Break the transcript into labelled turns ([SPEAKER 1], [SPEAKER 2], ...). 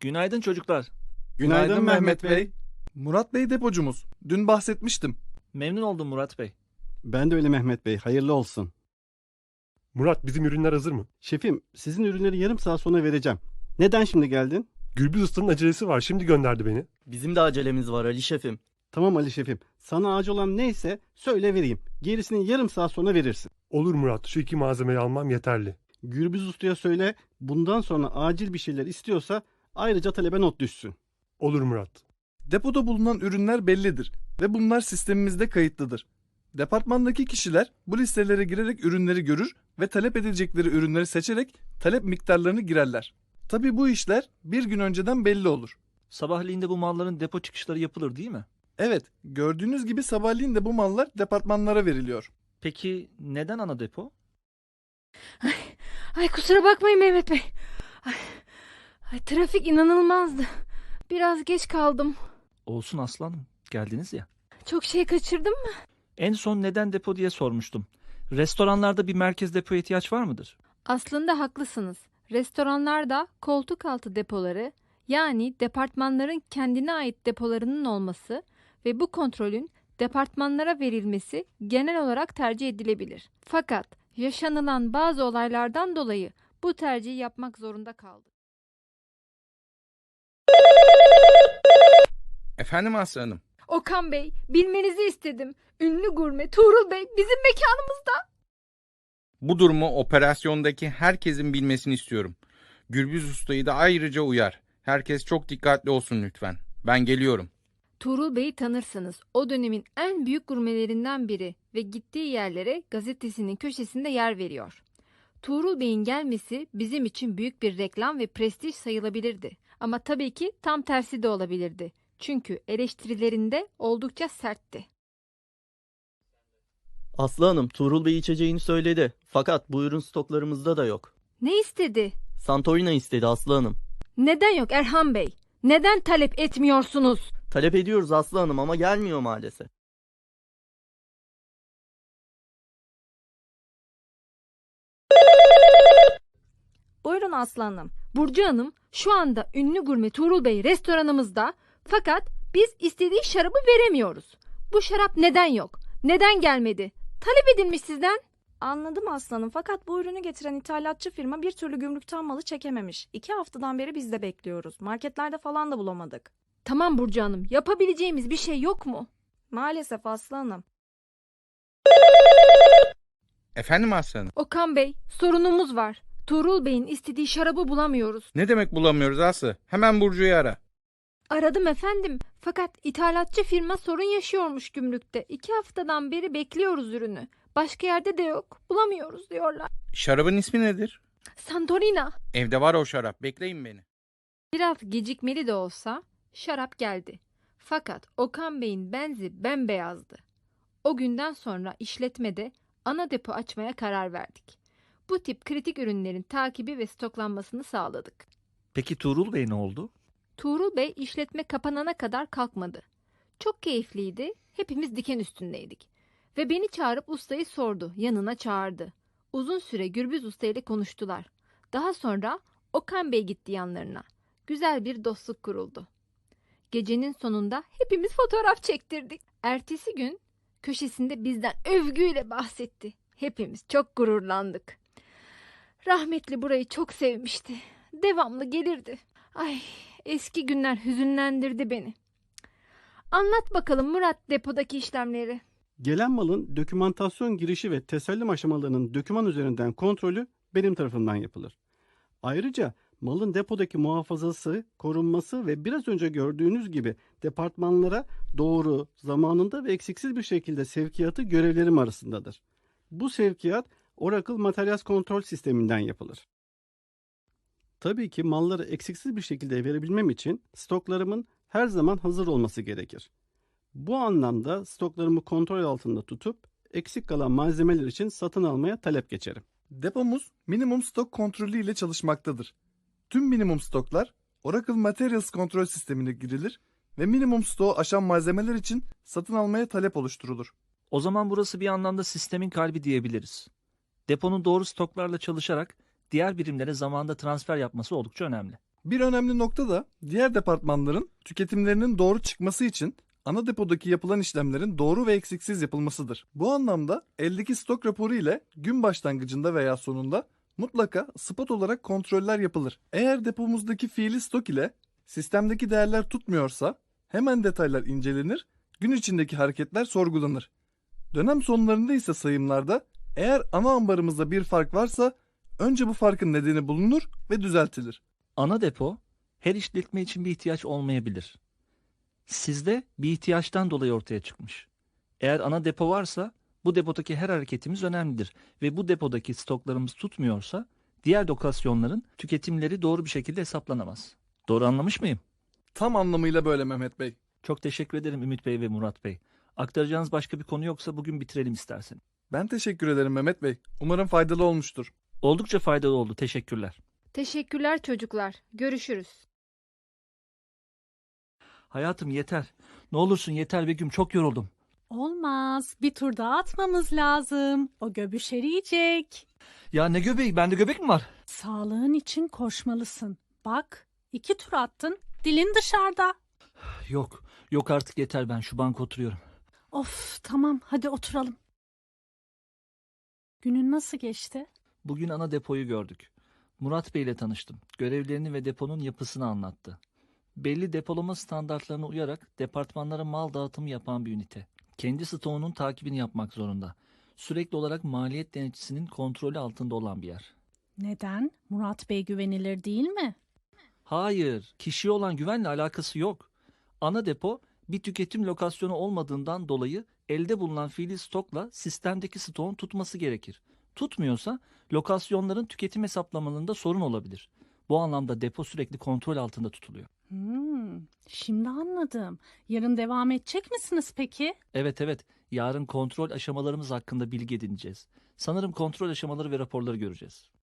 [SPEAKER 1] Günaydın çocuklar.
[SPEAKER 2] Günaydın Mehmet Bey. Murat Bey depocumuz. Dün bahsetmiştim.
[SPEAKER 1] Memnun oldum Murat Bey.
[SPEAKER 3] Ben de öyle Mehmet Bey. Hayırlı olsun.
[SPEAKER 4] Murat, bizim ürünler hazır mı?
[SPEAKER 3] Şefim, sizin ürünleri yarım saat sonra vereceğim. Neden şimdi geldin?
[SPEAKER 4] Gürbüz Usta'nın acelesi var. Şimdi gönderdi beni.
[SPEAKER 5] Bizim de acelemiz var Ali şefim.
[SPEAKER 3] Tamam Ali şefim. Sana acil olan neyse söyle vereyim. Gerisini yarım saat sonra verirsin.
[SPEAKER 4] Olur Murat. Şu 2 malzemeyi almam yeterli.
[SPEAKER 3] Gürbüz Usta'ya söyle bundan sonra acil bir şeyler istiyorsa ayrıca talebe not düşsün.
[SPEAKER 4] Olur Murat.
[SPEAKER 2] Depoda bulunan ürünler bellidir ve bunlar sistemimizde kayıtlıdır. Departmandaki kişiler bu listelere girerek ürünleri görür ve talep edilecekleri ürünleri seçerek talep miktarlarını girerler. Tabii bu işler bir gün önceden belli olur.
[SPEAKER 1] Sabahleyin de bu malların depo çıkışları yapılır değil mi?
[SPEAKER 2] Evet, gördüğünüz gibi sabahleyin de bu mallar departmanlara veriliyor.
[SPEAKER 1] Peki neden ana depo?
[SPEAKER 6] Ay kusura bakmayın Mehmet Bey. Trafik inanılmazdı. Biraz geç kaldım.
[SPEAKER 1] Olsun aslanım. Geldiniz ya.
[SPEAKER 6] Çok şey kaçırdım mı?
[SPEAKER 1] En son neden depo diye sormuştum. Restoranlarda bir merkez depoya ihtiyaç var mıdır?
[SPEAKER 6] Aslında haklısınız. Restoranlarda koltuk altı depoları, yani departmanların kendine ait depolarının olması ve bu kontrolün departmanlara verilmesi genel olarak tercih edilebilir. Fakat yaşanılan bazı olaylardan dolayı bu tercihi yapmak zorunda kaldık.
[SPEAKER 7] Efendim Aslı Hanım.
[SPEAKER 6] Okan Bey, bilmenizi istedim. Ünlü gurme Tuğrul Bey bizim mekanımızda.
[SPEAKER 7] Bu durumu operasyondaki herkesin bilmesini istiyorum. Gürbüz Usta'yı da ayrıca uyar. Herkes çok dikkatli olsun lütfen. Ben geliyorum.
[SPEAKER 6] Tuğrul Bey'i tanırsınız. O dönemin en büyük gurmelerinden biri ve gittiği yerlere gazetesinin köşesinde yer veriyor. Tuğrul Bey'in gelmesi bizim için büyük bir reklam ve prestij sayılabilirdi. Ama tabii ki tam tersi de olabilirdi. Çünkü eleştirilerinde oldukça sertti.
[SPEAKER 5] Aslı Hanım, Tuğrul Bey içeceğini söyledi. Fakat bu ürün stoklarımızda da yok.
[SPEAKER 6] Ne istedi?
[SPEAKER 5] Santorini istedi Aslı Hanım.
[SPEAKER 6] Neden yok Erhan Bey? Neden talep etmiyorsunuz?
[SPEAKER 5] Talep ediyoruz Aslı Hanım ama gelmiyor maalesef.
[SPEAKER 6] Buyurun Aslı Hanım. Burcu Hanım, şu anda ünlü gurme Tuğrul Bey restoranımızda, fakat biz istediği şarabı veremiyoruz. Bu şarap neden yok? Neden gelmedi? Talep edilmiş sizden.
[SPEAKER 8] Anladım aslanım, fakat bu ürünü getiren ithalatçı firma bir türlü gümrükten malı çekememiş. 2 haftadan beri biz de bekliyoruz. Marketlerde falan da bulamadık.
[SPEAKER 6] Tamam Burcu Hanım, yapabileceğimiz bir şey yok mu?
[SPEAKER 8] Maalesef aslanım.
[SPEAKER 7] Efendim Aslı Hanım.
[SPEAKER 6] Okan Bey, sorunumuz var. Tuğrul Bey'in istediği şarabı bulamıyoruz.
[SPEAKER 7] Ne demek bulamıyoruz Aslı? Hemen Burcu'yu ara.
[SPEAKER 6] Aradım efendim. Fakat ithalatçı firma sorun yaşıyormuş gümrükte. 2 haftadan beri bekliyoruz ürünü. Başka yerde de yok. Bulamıyoruz diyorlar.
[SPEAKER 7] Şarabın ismi nedir?
[SPEAKER 6] Santorina.
[SPEAKER 7] Evde var o şarap. Bekleyin beni.
[SPEAKER 6] Biraz gecikmeli de olsa şarap geldi. Fakat Okan Bey'in benzi bembeyazdı. O günden sonra işletmede ana depo açmaya karar verdik. Bu tip kritik ürünlerin takibi ve stoklanmasını sağladık.
[SPEAKER 1] Peki Tuğrul Bey ne oldu?
[SPEAKER 6] Tuğrul Bey işletme kapanana kadar kalkmadı. Çok keyifliydi. Hepimiz diken üstündeydik. Ve beni çağırıp ustayı sordu. Yanına çağırdı. Uzun süre Gürbüz Usta ile konuştular. Daha sonra Okan Bey gitti yanlarına. Güzel bir dostluk kuruldu. Gecenin sonunda hepimiz fotoğraf çektirdik. Ertesi gün köşesinde bizden övgüyle bahsetti. Hepimiz çok gururlandık. Rahmetli burayı çok sevmişti. Devamlı gelirdi. Ay, eski günler hüzünlendirdi beni. Anlat bakalım Murat depodaki işlemleri.
[SPEAKER 3] Gelen malın dokümantasyon girişi ve teslim aşamalarının doküman üzerinden kontrolü benim tarafından yapılır. Ayrıca malın depodaki muhafazası, korunması ve biraz önce gördüğünüz gibi departmanlara doğru, zamanında ve eksiksiz bir şekilde sevkiyatı görevlerim arasındadır. Bu sevkiyat Oracle Materials Kontrol Sisteminden yapılır. Tabii ki malları eksiksiz bir şekilde verebilmem için stoklarımın her zaman hazır olması gerekir. Bu anlamda stoklarımı kontrol altında tutup eksik kalan malzemeler için satın almaya talep geçerim.
[SPEAKER 2] Depomuz minimum stok kontrolü ile çalışmaktadır. Tüm minimum stoklar Oracle Materials kontrol sistemine girilir ve minimum stoğu aşan malzemeler için satın almaya talep oluşturulur.
[SPEAKER 1] O zaman burası bir anlamda sistemin kalbi diyebiliriz. Deponun doğru stoklarla çalışarak diğer birimlere zamanında transfer yapması oldukça önemli.
[SPEAKER 2] Bir önemli nokta da diğer departmanların tüketimlerinin doğru çıkması için ana depodaki yapılan işlemlerin doğru ve eksiksiz yapılmasıdır. Bu anlamda eldeki stok raporu ile gün başlangıcında veya sonunda mutlaka spot olarak kontroller yapılır. Eğer depomuzdaki fiili stok ile sistemdeki değerler tutmuyorsa hemen detaylar incelenir, gün içindeki hareketler sorgulanır. Dönem sonlarında ise sayımlarda eğer ana ambarımızda bir fark varsa önce bu farkın nedeni bulunur ve düzeltilir.
[SPEAKER 1] Ana depo her işletme için bir ihtiyaç olmayabilir. Sizde bir ihtiyaçtan dolayı ortaya çıkmış. Eğer ana depo varsa bu depodaki her hareketimiz önemlidir ve bu depodaki stoklarımız tutmuyorsa diğer lokasyonların tüketimleri doğru bir şekilde hesaplanamaz. Doğru anlamış mıyım?
[SPEAKER 2] Tam anlamıyla böyle Mehmet Bey.
[SPEAKER 1] Çok teşekkür ederim Ümit Bey ve Murat Bey. Aktaracağınız başka bir konu yoksa bugün bitirelim istersen.
[SPEAKER 2] Ben teşekkür ederim Mehmet Bey. Umarım faydalı olmuştur.
[SPEAKER 1] Oldukça faydalı oldu. Teşekkürler.
[SPEAKER 6] Teşekkürler çocuklar. Görüşürüz.
[SPEAKER 1] Hayatım yeter. Ne olursun yeter Begüm, çok yoruldum.
[SPEAKER 9] Olmaz. Bir tur daha atmamız lazım. O göbüş eriyecek.
[SPEAKER 1] Ya ne göbeği? Bende göbek mi var?
[SPEAKER 9] Sağlığın için koşmalısın. Bak, 2 tur attın. Dilin dışarıda.
[SPEAKER 1] Yok. Yok artık yeter, ben şu banka oturuyorum.
[SPEAKER 9] Of, tamam. Hadi oturalım. Günün nasıl geçti?
[SPEAKER 1] Bugün ana depoyu gördük. Murat Bey ile tanıştım. Görevlerini ve deponun yapısını anlattı. Belli depolama standartlarına uyarak departmanlara mal dağıtımı yapan bir ünite. Kendi stoğunun takibini yapmak zorunda. Sürekli olarak maliyet denetçisinin kontrolü altında olan bir yer.
[SPEAKER 9] Neden? Murat Bey güvenilir değil mi?
[SPEAKER 1] Hayır, kişiye olan güvenle alakası yok. Ana depo bir tüketim lokasyonu olmadığından dolayı elde bulunan fiili stokla sistemdeki stoğun tutması gerekir. Tutmuyorsa lokasyonların tüketim hesaplamalarında sorun olabilir. Bu anlamda depo sürekli kontrol altında tutuluyor.
[SPEAKER 9] Şimdi anladım. Yarın devam edecek misiniz peki?
[SPEAKER 1] Evet, yarın kontrol aşamalarımız hakkında bilgi edineceğiz. Sanırım kontrol aşamaları ve raporları göreceğiz.